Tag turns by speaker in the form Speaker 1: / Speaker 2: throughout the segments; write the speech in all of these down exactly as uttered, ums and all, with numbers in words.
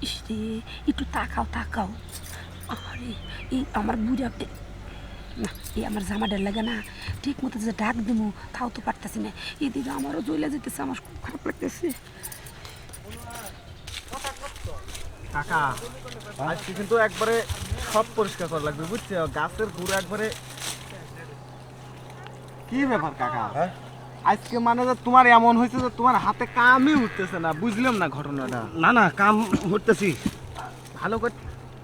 Speaker 1: ইস রে, একটু তাকাও তাকাও। আরে এই আমার বুড়া না, এই আমার জামাটার লাগে না ঠিক মতো যে ডাক দেবো তাও তো পারতেছি না। এদিকে আমারও জ্বলে যেতেছে, আমার খুব খারাপ লাগতেছে।
Speaker 2: কাকা আজকে কিন্তু একবারে সব পরিষ্কার করা লাগবে, বুঝছো? গাছের গুঁড়ো একবারে। কি ব্যাপার কাকা? আজকে মানে যে তোমার এমন হয়েছে যে তোমার হাতে কামই উঠতেছে না, বুঝলাম না ঘটনাটা।
Speaker 3: না না কাম করতেছি
Speaker 2: ভালো করে।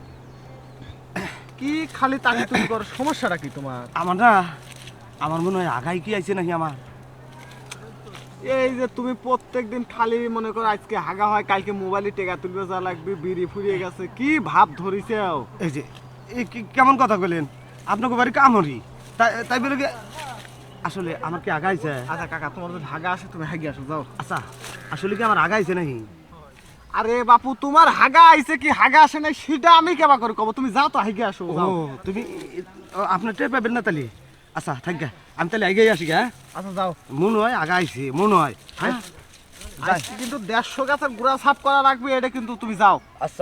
Speaker 2: কি খালি তাকি তুমি করো, সমস্যাটা কি তোমার?
Speaker 3: আমার না আমার মনে হয় আগাই কি আইছে নাকি আমার।
Speaker 2: এই যে তুমি প্রত্যেকদিন খালি মনে করো আজকে হাগা হয়, কালকে মোবাইলে টেকা তুলবে যা লাগবে, বিড়ি ফুরিয়ে গেছে, কি ভাব ধরিছে?
Speaker 3: এই যে এই কি- কেমন কথা কইলেন? আপনাকে বাড়ি কামড়ি তাই তাই বলে কি আসলে আমার কি আগাইছে?
Speaker 2: আচ্ছা কাকা, তোমার যদি হাগা আসে তুমি হাগি আসো, যাও।
Speaker 3: আচ্ছা আসলে কি আমার আগাইছে নাকি?
Speaker 2: আরে বাপু, তোমার হাগা আইছে কি হাগা আসে নাই সেটা আমি কেবা করে কব, তুমি যাও তো হাগি আসো,
Speaker 3: ও
Speaker 2: যাও।
Speaker 3: তুমি ও, আপনার টের পাবেন না তাহলে? আচ্ছা থাক গা, আমি তাহলে আগে আসি গা।
Speaker 2: আচ্ছা যাও।
Speaker 3: মনে হয় আগাইছে, মনে হয়। হ্যাঁ
Speaker 2: আজকে কিন্তু দেড়শো গাছের গুড়া সাফ করা রাখবে, এটা কিন্তু তুমি যাও।
Speaker 3: আচ্ছা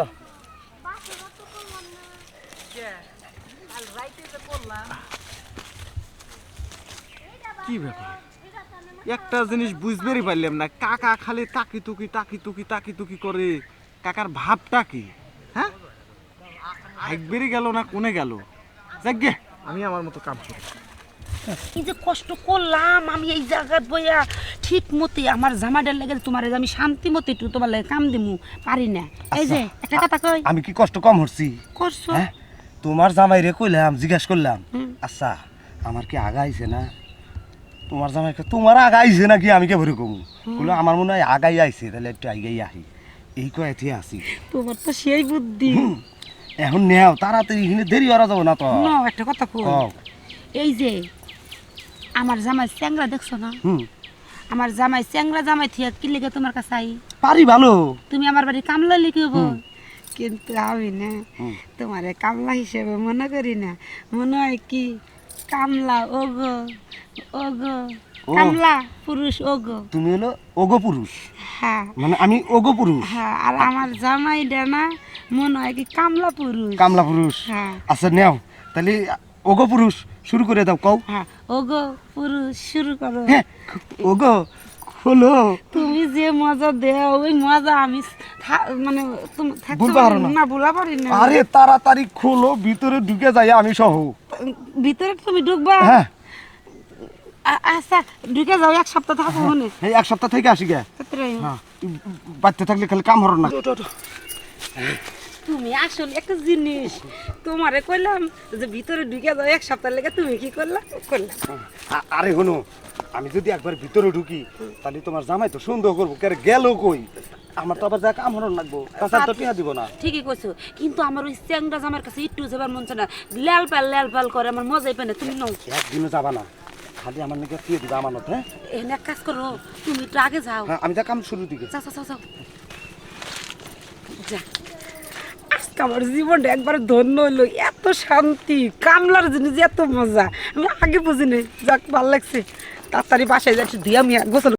Speaker 2: কি ব্যাপার, একটা জিনিস বুঝবেরই পারলাম না, কাকা খালি তাকি তুকি তাকি তুকি তাকি তুকি করে, কাকার ভাবটা কি? হ্যাঁ, হাইকবেরি গেল না কোনে গেল? যাক গে, আমি আমার মতো কাম করি।
Speaker 1: এই যে কষ্ট করলাম আমি এই জায়গায় বইয়া ঠিক মতে আমার জামাটার লাগে তোমার আমি শান্তি মতে একটু তোমার লাগে কাম দিমু পারি না। এই যে একটা কথা কই,
Speaker 3: আমি কি কষ্ট কম হচ্ছি?
Speaker 1: করছো
Speaker 3: হ্যাঁ তোমার জামাই রে কইলাম, জিজ্ঞাস করলাম
Speaker 1: হুম।
Speaker 3: আচ্ছা আমার কি আগাইছে না? তোমার জামাই কয়, তোমার আগাইছে নাকি? আমি কে ভরে কমু বললো আমার মনে হয় আগাই আইছে, তাহলে একটু আগাই আহি, এই কয় এতে আসি।
Speaker 1: তোমার তো সেই বুদ্ধি।
Speaker 3: এখন নেও তাড়াতাড়ি, এখানে দেরি করা যাবো না তো।
Speaker 1: না একটা কথা কই,
Speaker 3: কও।
Speaker 1: এই যে আমার জামাই চ্যাংরা দেখছো না?
Speaker 3: হুম
Speaker 1: আমার জামাই চ্যাংরা জামাই থিয়া কি লেগে তোমার কাছে আই?
Speaker 3: পারি ভালো।
Speaker 1: তুমি আমার বাড়ি কামলা লিখিব,
Speaker 3: হুম।
Speaker 1: কিন্তু আমি না
Speaker 3: হুম।
Speaker 1: তোমারে কামলা হিসেবে মনে করি না, মনে হয় কি কামলা ওগো ওগো
Speaker 3: ও।
Speaker 1: কামলা পুরুষ ওগো।
Speaker 3: তুমি হলো ওগো পুরুষ,
Speaker 1: হ্যাঁ
Speaker 3: মানে আমি ওগো পুরুষ।
Speaker 1: হ্যাঁ, আর আমার জামাই ডানা মনে হয় কি কামলা পুরুষ।
Speaker 3: কামলা পুরুষ।
Speaker 1: হ্যাঁ
Speaker 3: আচ্ছা নেও তাহলে ওগো পুরুষ শুরু করে দাও, কও।
Speaker 1: হ্যাঁ, ওগো পুরুষ শুরু করো।
Speaker 3: হ্যাঁ ওগো হলো।
Speaker 1: তুমি যে মজা দেও ওই মজা আমি থা- মানে তুমি থাকতে
Speaker 3: ভুলতে পারো
Speaker 1: পারি
Speaker 3: না।
Speaker 1: না, ভুলা পারি না।
Speaker 3: আরে তাড়াতাড়ি খোলো, ভিতরে ঢুকে যাই আমি সহ।
Speaker 1: ভিতরে তুমি ঢুকবা?
Speaker 3: হ্যাঁ
Speaker 1: আ- আচ্ছা ঢুকে যাও, এক সপ্তাহ থাকো মনে।
Speaker 3: এই এক সপ্তাহ থেকে আসি গে। হ্যাঁ বাড়তে থাকলে খালি কাম হরো না।
Speaker 1: তুমি আসলে একটা জিনিস, তোমারে কইলাম যে ভিতরে ঢুকে যাও এক সপ্তাহ লেগে, তুমি কি করলা? করলাম
Speaker 3: আ- আরে হনো, আমি যদি একবার ভিতরে ঢুকি তাহলে তোমার জামাই তো সন্দেহ করবো, কে গেল কই, আমার তো আবার যা কাম হরণ লাগবো, তাছাড়া তো টিয়া দিব না।
Speaker 1: ঠিকই কইছো, কিন্তু আমার ওই চ্যাংরা জামার কাছে একটু যাবার মন চায় না, ল্যাল পাল ল্যাল পাল করে, আমার মজাই পায় না। তুমি নাও
Speaker 3: একদিনও যাবা না, খালি আমার নাকি টিয়া দিবা আমানত। হ্যাঁ
Speaker 1: এখানে এক কাজ করো, তুমি একটু আগে যাও।
Speaker 3: হ্যাঁ আমি যা কাম শুরু দিকে।
Speaker 1: যাও যাও যাও যাও যা। আজকে আমার জীবনটা একবার ধন্য হইলো, এত শান্তি, কামলার জিনিস এত মজা আমি আগে বুঝিনি। যাক, ভালো লাগছে। তাড়াতাড়ি বাসায় যাচ্ছি, দিয়ে আমি গোসল